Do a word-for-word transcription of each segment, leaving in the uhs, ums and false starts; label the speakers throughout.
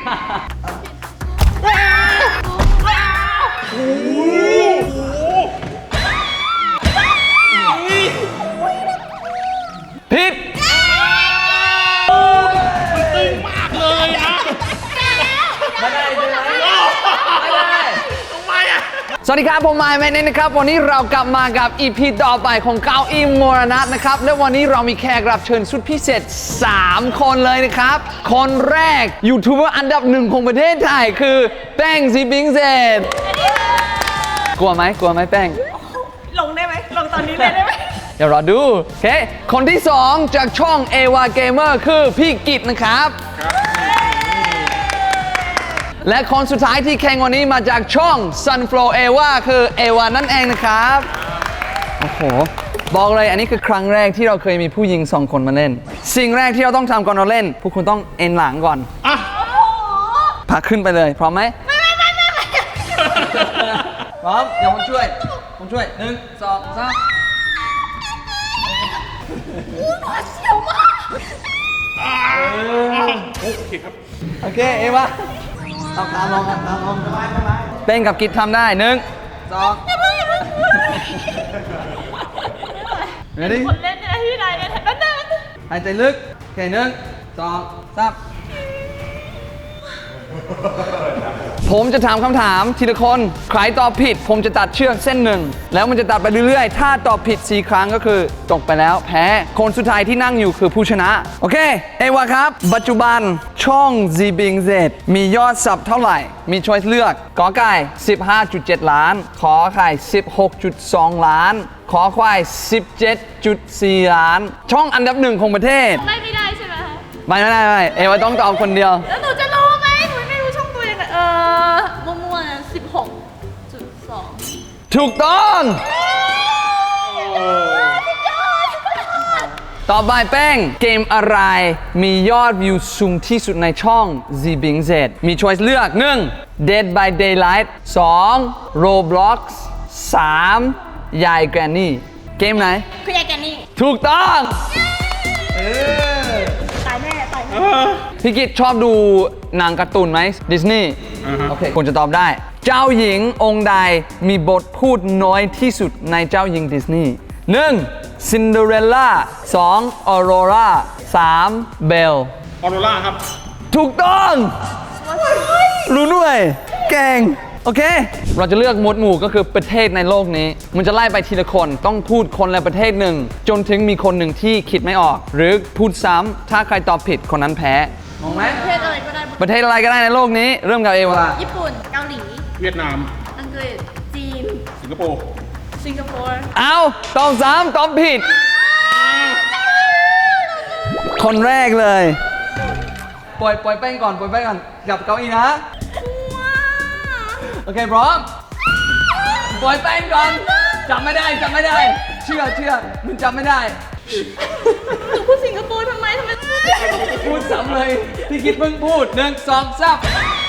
Speaker 1: ผิดสวัสดีครับผมไมค์แมนนี่นะครับวันนี้เรากลับมากับ อี พี ต่อไปของเก้าอี้มรณะนะครับและวันนี้เรามีแขกรับเชิญสุดพิเศษสามคนเลยนะครับคนแรกยูทูบเบอร์อันดับหนึ่งของประเทศไทยคือแป้งซีบิงเซตกลัวไหมกลัวไหมแป้ง
Speaker 2: ลงได้ไหมลงตอนนี้เลยได้ไหม
Speaker 1: เดี๋ยวรอดูโอเคคนที่สองจากช่องเอวาเกมเมอร์คือพี่กิตนะครับและคนสุดท้ายที่แข่งวันนี้มาจากช่อง Sunflow เอวาคือเอวานั่นเองนะครับโอ้โหบอกเลยอันนี้คือครั้งแรกที่เราเคยมีผู้หญิงสองคนมาเล่นสิ่งแรกที่เราต้องทำก่อนเราเล่นพวกคุณต้องเอ็นหลังก่อนอ่ะพาขึ้นไปเลยพร้อมไหมไม่ไม่ไม่ไม่พร้อมเดี๋ยวผมช่วยผมช่วยหนึ่งสองสาม
Speaker 2: อู้หนวดเสียวมาก
Speaker 3: โอเคครับ
Speaker 1: โอเคเอวาตามตามลองตามตามลองสบายสบายเป้งกับกิจทำได้หนึ่งสองเดี๋ยวดิ
Speaker 2: คนเล่นเนี่ยที่ไหนเนี่ยนั่นนั่น
Speaker 1: หายใจลึกโอเคหนึ่งสองสามผมจะถามคำถามทีละคนใครตอบผิดผมจะตัดเชือกเส้นหนึ่งแล้วมันจะตัดไปเรื่อยๆถ้าตอบผิดสี่ครั้งก็คือตกไปแล้วแพ้คนสุดท้ายที่นั่งอยู่คือผู้ชนะโอเคเอวาครับปัจจุบันช่อง ซี บิง เซด มียอดซับเท่าไหร่มีช้อยส์เลือกกอไก่ สิบห้าจุดเจ็ด ล้านขอไข่ สิบหกจุดสอง ล้านขอควาย สิบเจ็ดจุดสี่ ล้านช่องอันดับหนึ่งของประเทศ
Speaker 2: ไม่ไม่ได้ใช่ไหมคะ
Speaker 1: ไม่ไม่ได้ไม่เอวาต้องตอบคนเดียว
Speaker 2: แล้วหนูจะรู้ไหมหนูไม่รู้ช่องตัวเองเออมั่วๆสิบหกจุดสอง
Speaker 1: ถูกต้องต่อไปแป้งเกมอะไรมียอดวิวสูงที่สุดในช่อง ซี บิง เซด มีช้อยส์เลือกหนึ่ง Dead by Daylight สอง Roblox สามยายแกรนนี่เกมไหน
Speaker 2: คือยายแกรนนี่
Speaker 1: ถูกต้อง
Speaker 2: ตายแน่ตายแน่
Speaker 1: พี่กิตชอบดูหนังการ์ตูนไหมดิสนีย์โอเคคุณจะตอบได้เจ้าหญิงองค์ใดมีบทพูดน้อยที่สุดในเจ้าหญิงดิสนีย์หนึ่งซินเดอเรลล่าสองออโรราสามเบล
Speaker 3: ออโรราครับ
Speaker 1: ถูกต้องรู้ด้วยเก่งโอเคเราจะเลือกหมวดหมู่ก็คือประเทศในโลกนี้มันจะไล่ไปทีละคนต้องพูดคนละประเทศหนึ่งจนถึงมีคนหนึ่งที่คิดไม่ออกหรือพูดซ้ำถ้าใครตอบผิดคนนั้นแพ้มองไหม
Speaker 2: ประเทศอะไรก็ได้
Speaker 1: ประเทศอะไรก็ได้ในโลกนี้เริ่มกับเอวา
Speaker 2: ญี่ปุ่นเกาหลี
Speaker 3: เวียดนาม
Speaker 2: อังกฤษจีน
Speaker 3: สิงคโปร์
Speaker 2: สิงคโปร์
Speaker 1: เอาตอบซ้ำตอบผิดคนแรกเลยปล่อยปล่อยแป้งก่อนปล่อยแป้งก่อนจับเก้าอี้นะโอเคพร้อมปล่อยแป้งก่อนจับไม่ได้จับไม่ได้เชื่อเชื่อมันจับไม่ได้
Speaker 2: หนูพูดสิงคโปร์ทำไมทำไม
Speaker 1: พูดซ้ำเลยพี่คิดเพิ่งพูดหนึ่งสองสาม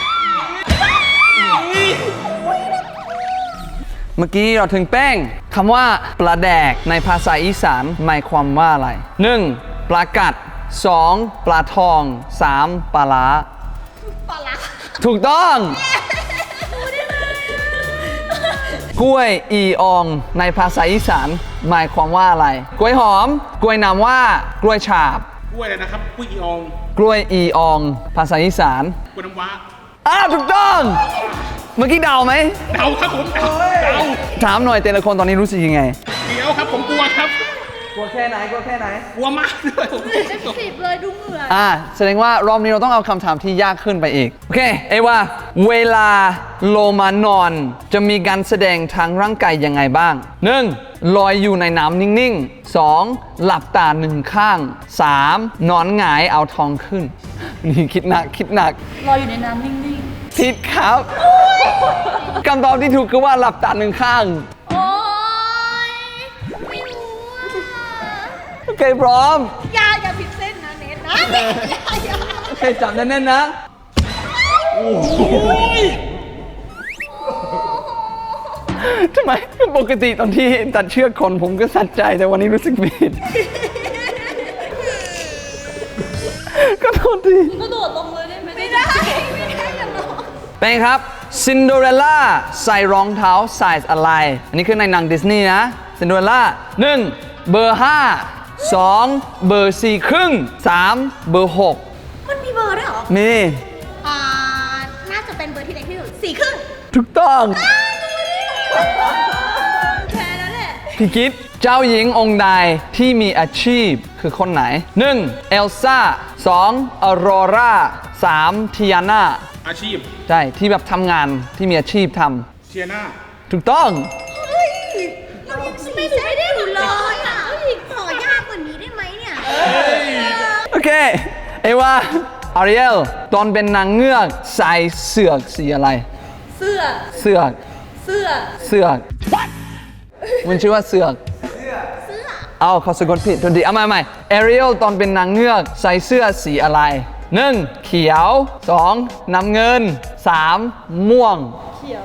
Speaker 1: เมื่อกี้เราถึงแป้งคำว่าปลาแดกในภาษาอีสานหมายความว่าอะไรหนึ่งปลากัดสองปลาทองสามปลาล้า
Speaker 2: ปลาล้า
Speaker 1: ถูกต้องกล้วยอีอองในภาษาอีสานหมายความว่าอะไรกล้วยหอมกล้วยน้ำว่ากล้วยฉาบ
Speaker 3: กล้วยอะไรนะครับกล้วยอีออง
Speaker 1: กล้วยอีอองภาษาอีสาน
Speaker 3: กล้วยน้ำว้า
Speaker 1: อ้าถูกต้องเมื่อกี้เดาไหม
Speaker 3: เดาครับผมเดาเดา
Speaker 1: ถามหน่อยแต่ละคนตอนนี้รู้สึกยังไง
Speaker 3: เดี๋ยวครับผมกลัวครับ
Speaker 1: กลัวแค่ไหนกลัวแค่ไหน
Speaker 3: กลัวมากเลยผม
Speaker 2: สิบเลยดูเหงื่อ
Speaker 1: อ่าแสดงว่ารอบนี้เราต้องเอาคำถามที่ยากขึ้นไปอีกโอเคเอว่าเวลาโลมานอนจะมีการแสดงทางร่างกายยังไงบ้างหนึ่งลอยอยู่ในน้ำนิ่งๆสองหลับตาหนึ่งข้างสามนอนหงายเอาท้องขึ้นนี่คิดหนักคิดหนัก
Speaker 2: ลอยอยู่ในน้ำนิ่ง
Speaker 1: ๆผิดครับคำตอบที่ถูกคือว่าหลับตาหนึ่งข้าง
Speaker 2: โอ๊ยไม่รู้
Speaker 1: โอเคพร้อม
Speaker 2: อย่าอย่าผิดเส้นนะเน็ตนะ
Speaker 1: โอเคจับแน่นๆนะโอ้ยทำไมปกติตอนที่ตัดเชือกคนผมก็สัดใจแต่วันนี้รู้สึกผิดก็โทษที
Speaker 2: ก็โดดลงเลยได้ไหมไม่ได้
Speaker 1: เป็นครับซินโดเรลล่าใส่รองเท้าไซส์อะไร อันนี้คือในหนังดิสนีย์นะซินโดเรลล่าหนึ่งเบอร์ห้าสองเบอร์สี่ครึ่งสามเบอร์หก
Speaker 2: มันมีเบอร์ด้วยเหรอ
Speaker 1: มี
Speaker 2: อ่า น่าจะเป็นเบอร์ที่เล็กที่สุดสี่ครึ่ง
Speaker 1: ถูกต้อง
Speaker 2: แค่นั้นแหละ
Speaker 1: พี่กิฟเจ้าหญิงองค์ใดที่มีอาชีพคือคนไหน หนึ่ง เอลซ่า สอง ออโรรา สาม ทิอาน่า
Speaker 3: อาชีพ
Speaker 1: ใช่ ที่แบบทำงานที่มีอาชีพท
Speaker 3: เทียนา
Speaker 1: ำถูกต้อง
Speaker 2: เฮ้ยเรายังสี่เส้นได้อยู่เลยอ่ะขอยากกว่านี้ได้ไหมเนี่ย
Speaker 1: โอเค เอวาอาริเอลตอนเป็นนางเงือกใส่เสือกสีอะไร
Speaker 2: เสื้อ
Speaker 1: เสือก
Speaker 2: เสื้อ
Speaker 1: เสือก มันชื่อว่าเสือก
Speaker 2: เสื้อ
Speaker 1: เอาเขาสะกดผิดทันทีเอาใหม่ใหม่เอริเอลตอนเป็นนางเงือกใส่เสื้อสีอะไร หนึ่ง เขียว สอง น้ำเงิน สาม ม่วง
Speaker 2: เขียว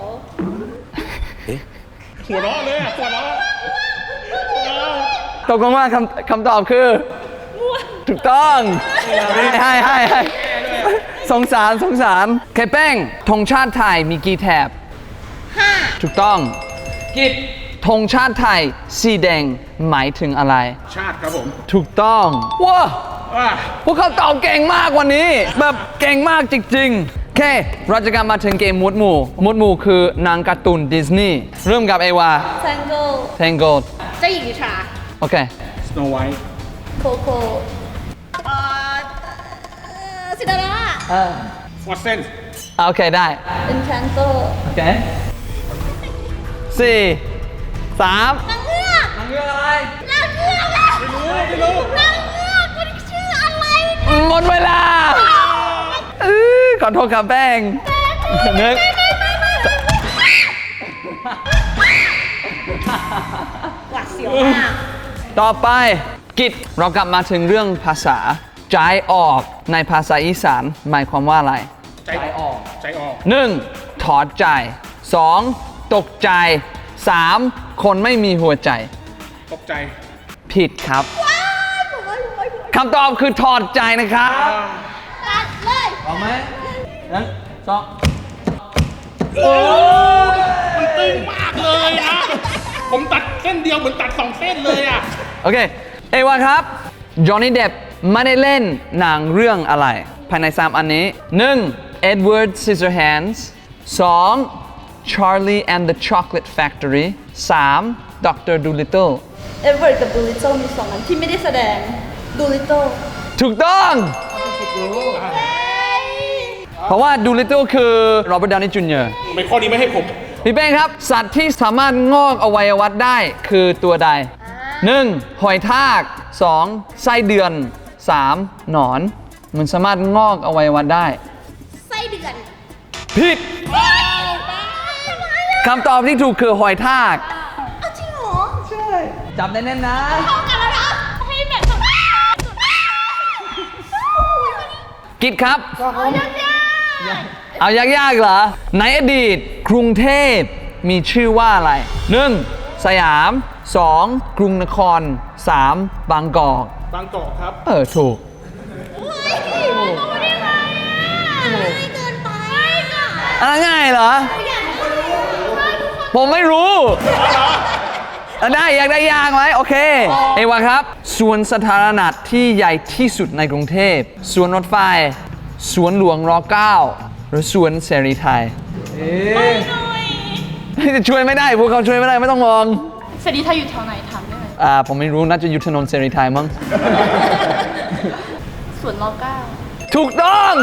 Speaker 3: หัวเราะเลยอะหัวเราะหัวเราะ
Speaker 1: ตกลงว่าคำคำตอบคือ ถูกต้องให้ให้ให้สงสารสงสารเคแป้งธงชาติไทยมีกี่แถบ
Speaker 2: ห้า
Speaker 1: ถูกต้อง กิจธงชาติไทยสีแดงหมายถึงอะไร
Speaker 3: ชาติครับผม
Speaker 1: ถูกต้องว้า
Speaker 3: อ่า
Speaker 1: พวกเขาตอบเก่งมากวันนี้ แบบเก่งมากจริงๆ โอเค เราจะกลับมาถึงเกมมุดหมู่มุดหมู่คือนางการ์ตูนดิสนีย์เริ่มกับเอวา
Speaker 2: แทงโก
Speaker 1: Tangled
Speaker 2: เจ้าหญิงนิทรา
Speaker 1: โอเค
Speaker 3: สโนไวท์
Speaker 2: โคโค่เอ่อซินเดอเรลล่า
Speaker 3: ฟอสเซน
Speaker 1: โอเคได้
Speaker 2: เอ็นแคนโต
Speaker 1: โอเคสี่สาม
Speaker 2: นางเงือก
Speaker 1: นางเงือกอะไร
Speaker 2: นางเงือกอะไม่รู้ไม่รู้นางเงือกมันชื่ออะไร
Speaker 1: หมดเวลาเอ้ยขอโทษครับแป้งนึก
Speaker 2: หวาดเสียวมาก
Speaker 1: ต่อไปกิจเรากลับมาถึงเรื่องภาษาใจออกในภาษาอีสานหมายความว่าอะไร
Speaker 3: ใจออก ใจออก
Speaker 1: หนึ่งถอดใจสองตกใจสามคนไม่มีหัวใจ
Speaker 3: ตกใจ
Speaker 1: ผิดครับคำตอบคือถอดใจนะครับ
Speaker 2: ตัดเลย
Speaker 1: เอาไหมหนึ่งสอง
Speaker 3: โอ้ยมันตึงมากเลยนะ ผมตัดเส้นเดียวเหมือนตัดสองเส้นเลยอ่ะ
Speaker 1: โอเค เอวาครับจอห์นนี่เดปไม่ได้เล่นหนังเรื่องอะไร ภายในสามอันนี้ หนึ่ง Edward Scissorhands สอง Charlie and the Chocolate Factory สาม ด็อกเตอร์ Dolittle
Speaker 2: เอเวอร์กับดูลิตเติลมีสองอันที่ไม่ได้แสดงดูลิตเติล
Speaker 1: ถูกต้อง เพราะว่า Dolittle คือโรเบิร์ต ดาวนี่ จูเนียร์
Speaker 3: ไม่ข้อนี้ไม่ให้ผม
Speaker 1: พี่เป้งครับ สัตว์ที่สามารถงอกอวัยวะได้คือตัวใด หนึ่ง หอยทาก สอง ไส้เดือน สาม หนอน มันสามารถงอกอวัยวะได้
Speaker 2: ไส้เดือน
Speaker 1: ผิดคำตอบที่ถูกคือหอยทาก
Speaker 2: เอาจริงเหรอ
Speaker 1: ใช่ จับได้แน่นนะ
Speaker 2: เข้ากันแล้วนะให้แบบแบบ
Speaker 1: กิดครับ
Speaker 2: เอายาก
Speaker 1: เอายากๆเหรอ ในอดีตกรุงเทพมีชื่อว่าอะไร หนึ่ง สยาม สอง กรุงนคร สาม บางกอก
Speaker 3: บางกอกครับ
Speaker 1: เออ ถูก
Speaker 2: ๆเฮ้ยรู้ได้ไงอ่ะง่ายเกินไปอ่ะ
Speaker 1: อะไรง่ายเหรอ
Speaker 2: อยากรู้ว่าทุกคน
Speaker 1: ผมไม่รู้อ่ะได้อยากได้ยางไหมโอเค เอวาครับสวนสาธารณะที่ใหญ่ที่สุดในกรุงเทพสวนรถไฟสวนหลวงรเก้าหรือสวนเสรีไทย
Speaker 2: หน่อย
Speaker 1: จะช่วยไม่ได้พวกเขาช่วยไม่ได้ไม่ต้องมอง
Speaker 2: เสรีไทยอยู่แถวไหนถามได้ไหม
Speaker 1: อ่าผมไม่รู้น่าจะอยู่ถนนเสรีไทยมั้ง
Speaker 2: สวนรอเก้า
Speaker 1: ถูกต้อง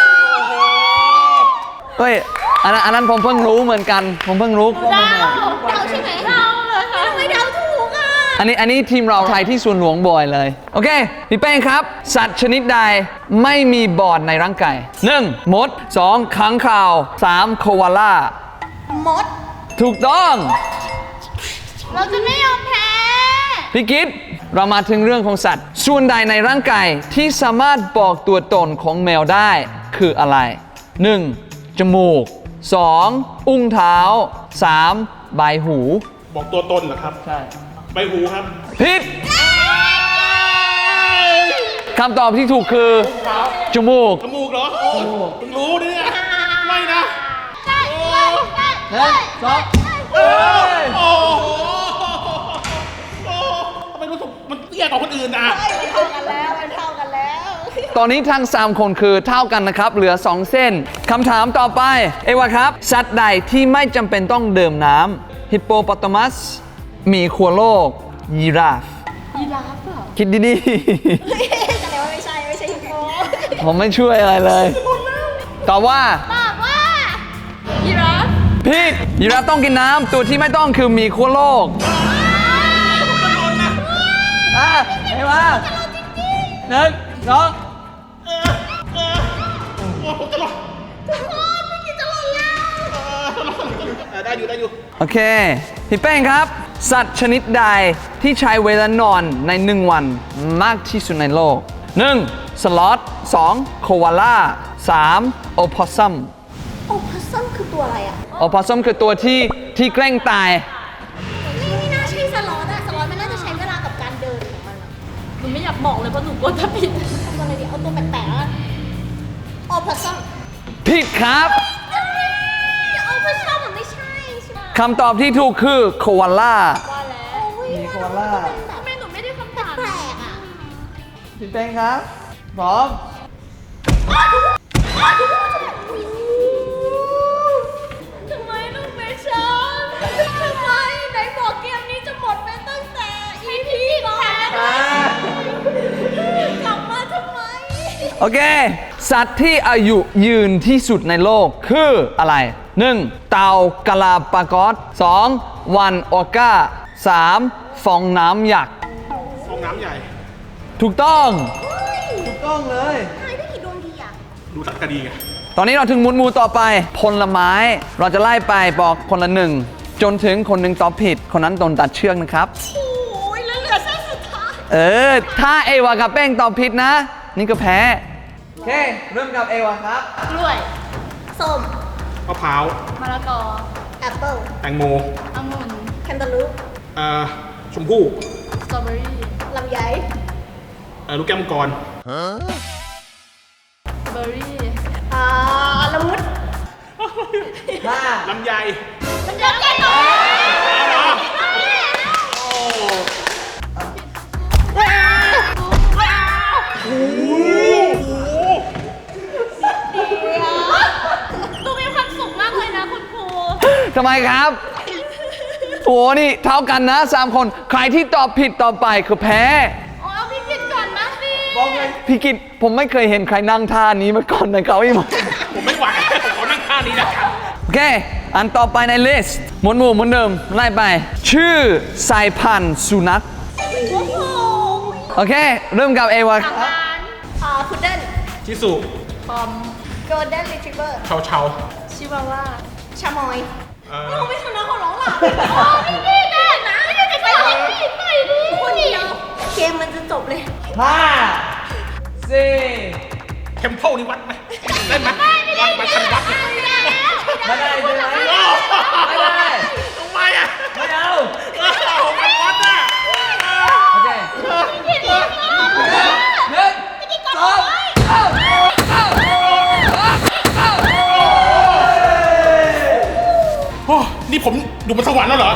Speaker 1: เฮ้ยอันนั้นอันนั้นผมเพิ่งรู้เหมือนกัน ผมเพิ่งรู้
Speaker 2: เดาเดาใช่ไหมเดาเลยค่ะทำไมเดาถูกอ่ะ
Speaker 1: อันนี้อันนี้ทีมเราไทยที่สวนหลวงบ่อยเลย โอเค พี่แป้งครับ สัตว์ชนิดใดไม่มีบอดในร่างกาย หนึ่ง มด สอง ค้างคาว สาม โควาล่า
Speaker 2: มด
Speaker 1: ถูกต้อง
Speaker 2: เราจะไม่ยอมแพ้
Speaker 1: พี่กิตเรามาถึงเรื่องของสัตว์ ส่วนใดในร่างกายที่สามารถบอกตัวตนของแมวได้คืออะไร หนึ่ง จมูก สอง อุ้งเท้า สาม ใบหู
Speaker 3: บอกตัวตนเหรอครับ
Speaker 1: ใช่
Speaker 3: ใบหูครับ
Speaker 1: ผิดคำตอบที่ถูกคือ จมูก
Speaker 3: จมูกเหรอโอ้เพิ่งรู้เนี่ย ไม่นะ
Speaker 1: พหนึ่งสอง
Speaker 3: โอ้โหโอ้ทำไมรู้สึกมันเตี้ยกว่าคนอื่นอ่ะ
Speaker 2: มันเท่ากันแล้วมันเท่ากันแล้ว
Speaker 1: ตอนนี้ทั้งสามคนคือเท่ากันนะครับ เหลือสองเส้นคำถามต่อไป เอวาครับ สัตว์ใดที่ไม่จำเป็นต้องดื่มน้ำฮิปโปโปตามัสหมีขั้วโลก ยีราฟ
Speaker 2: ยีราฟเปล่า
Speaker 1: คิดดี
Speaker 2: แสดงว่าไม่ใช่ไม่ใช่ฮิปโป
Speaker 1: ๆ ผมไม่ช่วยอะไรเลยตอบว่า
Speaker 2: ตอบว่ายีราฟ
Speaker 1: ผิดยีราฟต้องกินน้ำตัวที่ไม่ต้องคือหมีขั้วโลกอ่ะเอวาหนึ่งสอง
Speaker 3: เออเออโอ้ผมจะรอด
Speaker 2: ทุกคนไม่คิดจะหล่นแล้ว
Speaker 3: เออรอดเออได้อยู่ได้อยู่
Speaker 1: โอเค พี่แป้งครับ สัตว์ชนิดใดที่ใช้เวลานอนในหนึ่งวันมากที่สุดในโลก หนึ่ง สล็อต สอง โควาล่า สาม โอพอสซัม
Speaker 2: โอพัซซัมคือตัวอะไรอ่ะ
Speaker 1: โอพอสซัมคือตัวที่ที่แกล้งตาย
Speaker 2: นี่ไม่น่าใช่สล็อตอะสล็อตมันน่าจะใช้เวลากับการเดินของมันอะหนูไม่อยากบอกเลยเพราะหนูกลัวจะผิดเอาตัวอะไรดีเอาตัวแปลกๆแล้วกันโอพัซซัม
Speaker 1: ผิดครับ
Speaker 2: โอพัซซัมมันไม่ใช่ใช่ไหม
Speaker 1: คำตอบที่ถูกคือโควาล่า
Speaker 2: ว่าแล้ว
Speaker 1: มีโคอาล่า
Speaker 2: ทำไมหนูไม่ได้คำถามแปลกอะ
Speaker 1: พี่แป้งครับ พร้อม
Speaker 2: ทำไมลูกไม่ชอบทำไมไหนบอกเกมนี้จะหมดไปตั้งแต่ อี พี ก่อนกลับมาทำไม
Speaker 1: โอเค สัตว์ที่อายุยืนที่สุดในโลกคืออะไร หนึ่ง เต่ากาลาปากอส สอง วันออก้า สาม ฟองน้ำยักษ์
Speaker 3: ฟองน้ำใหญ่
Speaker 1: ถูกต้อง ถูกต้องเลย
Speaker 2: ทายได้กี่ดวงดีอะ
Speaker 3: ดูสักคดีไง
Speaker 1: ตอนนี้เราถึงหมุนหมูต่อไป ผลไม้ เราจะไล่ไปบอกคนละหนึ่ง จนถึงคนหนึ่งตอบผิด คนนั้นโดนตัดเชือกนะครับ
Speaker 2: โอ้ยแล้วเหลือเส้นสุดท้าย
Speaker 1: เออ ถ้าเอวากับแป้งตอบผิดนะ นี่ก็แพ้ โอเค เริ่มกับเอวาครับ
Speaker 2: กล้วย ส้ม
Speaker 3: มะพร้าว
Speaker 2: มะละกอ แอปเปิ้ล
Speaker 3: แตงโม
Speaker 2: องุ่น แคนตาลูป
Speaker 3: เอ่อชมพู่
Speaker 2: สตรอเบอรี่ ลำไย
Speaker 3: เอ่อลูกแก้วมังกร
Speaker 2: เบอร์รี่ อ่าละมุด
Speaker 1: ห้า
Speaker 3: ลำไย
Speaker 2: มันจะแก่หน่อย ดูมีความสุขมากเลยนะคุณครู
Speaker 1: ทำไมครับ โอ้นี่เท่ากันนะสามคน ใครที่ตอบผิดต่อไปคือแพ้
Speaker 2: อ๋อเอาพี่กินก่อนนะสิ
Speaker 1: พี่กิตผมไม่เคยเห็นใครนั่งท่านี้มาก่อนในเก้าอี้มา
Speaker 3: ผมไม่ไหวผมขอนั่งท่านี้นะครับ
Speaker 1: โอเค อันต่อไปในลิสต์หมุนหมู่หมุนเดิมไล่ไป ชื่อสายพันธุ์สุนัข
Speaker 2: โอ้โห
Speaker 1: โอเค เริ่มกับเอวา
Speaker 2: ทางร้านอ่าพุดเดิ้ล
Speaker 3: ชิสุ
Speaker 2: ปอมโกลเด้นรีทรีเวอร์
Speaker 3: เชาเชา
Speaker 2: ชิวาว่า ชามอย
Speaker 3: เอ่อ
Speaker 2: เราไม่ชนะเขาหรอกหรอโอ้พี่พี่แน่นะไม่ได้ไปหรอกพี่ไปดิคนเดียวเกมมันจะจบเลย
Speaker 1: ห้าสี่
Speaker 3: เทมเพลนี่วัดไหมได้ไหมวัดมาทันวัดเนี่ย
Speaker 2: ไม่ได้แล้ว
Speaker 1: ไม่ได้ใช่ไหม
Speaker 3: โอ้
Speaker 1: ไม่ได้
Speaker 3: ทำไมอ่ะ
Speaker 1: ไม่เอา
Speaker 3: เออผมมันวัดอ่ะ
Speaker 1: โอเค
Speaker 2: พี่เลี้ยงน้อง
Speaker 1: หนึ่งสองเอ้าเอ้าเอ้า
Speaker 3: โอ้นี่ผมอยู่บนสวรรค์แล้วเหรอ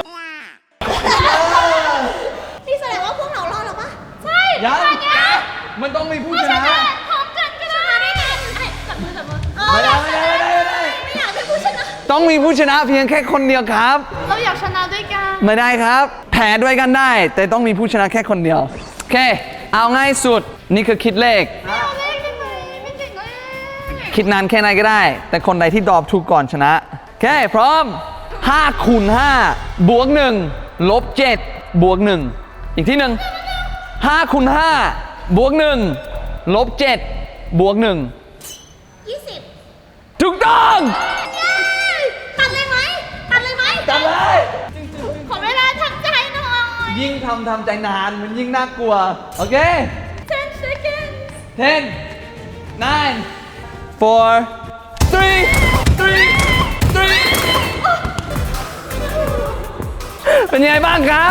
Speaker 2: นี่แสดงว่าพวกเรารอดแล้วปะใช่
Speaker 1: ยังมันต้องมีผู้ชนะ
Speaker 2: พร้อมกันก็ชนะได้ไงจับมือจับมือเออ
Speaker 1: ไม่
Speaker 2: อ
Speaker 1: ได้
Speaker 2: ยากช
Speaker 1: ไม่
Speaker 2: นะ
Speaker 1: ได้ไม่ได้ไม่ได้
Speaker 2: ไม่อยากเป็นผู้ชนะ
Speaker 1: ต้องมีผู้ชนะเพียงแค่คนเดียวครับ
Speaker 2: เราอยากชนะด้วยกัน
Speaker 1: ไม่ได้ครับ แพ้ด้วยกันได้ แต่ต้องมีผู้ชนะแค่คนเดียว โอเค เอาง่ายสุด นี่คือคิดเลข
Speaker 2: ไม่เอาเลขได้ไหมไม่เก่งเลย
Speaker 1: คิดนานแค่ไหนก็ได้ แต่คนใดที่ตอบถูกก่อนชนะ โอเค พร้อมห้าคูณห้าบวกหนึ่งลบเจ็ดบวกหนึ่งอีกที่หนึ่งห้าคูณห้าบวกหนึ่งลบเจ็ดบวกหนึ่ง
Speaker 2: ยี่สิบ
Speaker 1: ถูกต้อง
Speaker 2: ตัดเลยไหมตัดเลยไหม
Speaker 1: จำเลย
Speaker 2: ขอเวลาทำใจหน่อย
Speaker 1: ยิ่งทำทำใจนานมันยิ่งน่ากลัว โอเค
Speaker 2: ten seconds
Speaker 1: ten nine four three three three เป็นยังไงบ้างครับ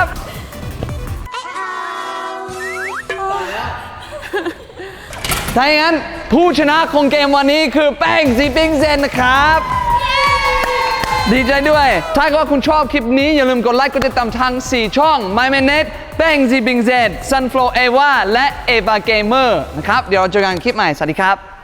Speaker 1: ถ้าอย่างนั้นผู้ชนะของเกมวันนี้คือแป้งซีปิ้งเซนนะครับดีใจด้วย ถ้าเกิดว่าคุณชอบคลิปนี้อย่าลืมกดไลค์กดติดตามทางสี่ช่อง My m a n e t แป้ง Z Bing Z Sunflow Eva และ Eva Gamer นะครับ เดี๋ยวเราเจอกันคลิปใหม่ สวัสดีครับ